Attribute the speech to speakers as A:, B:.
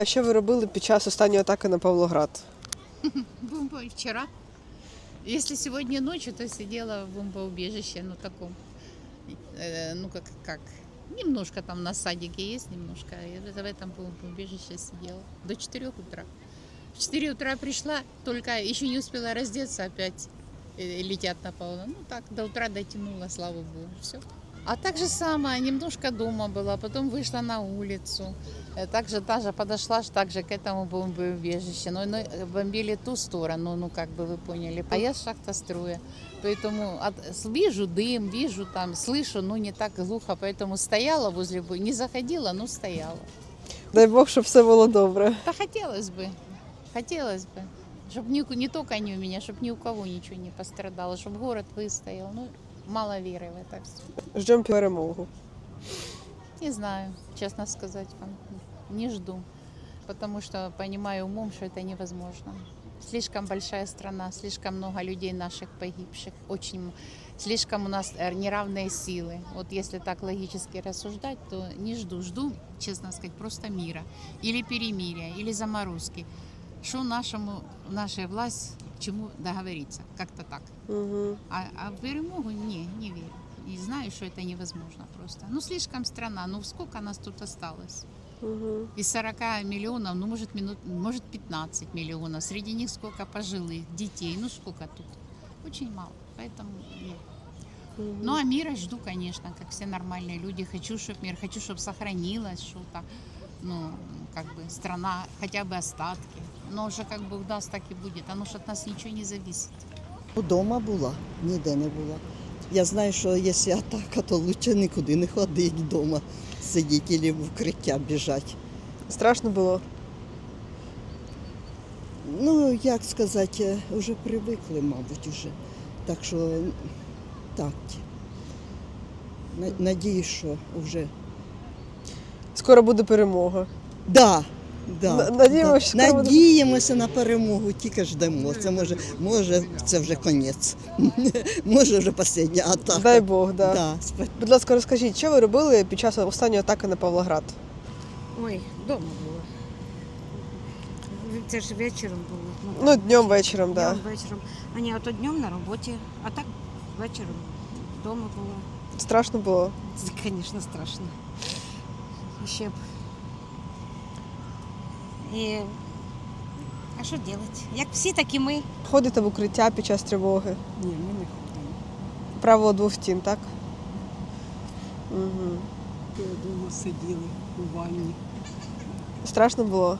A: А що ви робили під час останньої атаки на Павлоград?
B: Вчера. Если сегодня ночью, то сидела в бомбоубежище, ну таком, ну как, немножко там на садике есть немножко, и в этом бомбоубежище сидела до 4 утра. В 4 утра пришла, только еще не успела раздеться, опять летят на Павлоград. Ну так, до утра дотянула, слава богу, все. А так же самое, немножко дома была, потом вышла на улицу. Также даже подошла также к этому бомбоубежищу. Но бомбили ту сторону, ну как бы вы поняли. А я с шахтостроя. Поэтому вижу дым, вижу там, слышу, но не так глухо. Поэтому стояла возле, не заходила, но стояла.
A: Дай Бог, щоб все було добре.
B: Да хотелось бы. Чтобы не только они у меня, чтобы ни у кого ничего не пострадало, чтобы город выстоял. Ну, мало веры в это все.
A: Ждемо перемогу.
B: Не знаю, честно сказать вам, не жду, потому что понимаю умом, что это невозможно. Слишком большая страна, слишком много людей наших погибших, слишком у нас неравные силы. Вот если так логически рассуждать, то не жду. Жду, честно сказать, просто мира. Или перемирия, или заморозки. Что наша власть к чему договориться, как-то так.
A: Угу.
B: А в перемогу не верю. И знаю, что это невозможно просто. Ну, слишком страна, ну сколько нас тут осталось?
A: Угу.
B: Из 40 миллионов, ну, может 15 миллионов. Среди них сколько пожилых, детей, ну, сколько тут? Очень мало, поэтому нет.
A: Угу.
B: Ну, а мира жду, конечно, как все нормальные люди. Хочу, чтобы сохранилось что-то. Ну, как бы страна, хотя бы остатки. Но уже как бы даст, так и будет. Оно ж от нас ничего не зависит.
C: Удома була, ніде не була. Я знаю, що якщо атака, то краще нікуди не ходити вдома, сидіти або в укриття біжати.
A: Страшно було?
C: Ну, як сказати, вже привикли, мабуть, уже. Так що так. Надіюсь, що вже.
A: Скоро буде перемога.
C: Да.
A: Надіємося, що скоро буде.
C: Надіємося на перемогу, тільки ждемо. Це може це вже кінець. Може вже остання атака.
A: Дай Бог, да.
C: Да.
A: Будь ласка, розкажіть, що ви робили під час останньої атаки на Павлоград?
D: Ой, вдома було. Це ж вечором було.
A: Ну, днем, вечором, так.
D: Днем, вечором. А ні, ото днем на роботі, а так вечором вдома було.
A: Страшно було?
D: Це, звісно, страшно. І ще б. А що робити? Як всі, так і ми.
A: Ходите в укриття під час тривоги?
E: Ні, ми не ходимо.
A: Правило двох стін, так? Угу.
E: Вдома сиділи у ванні.
A: Страшно було?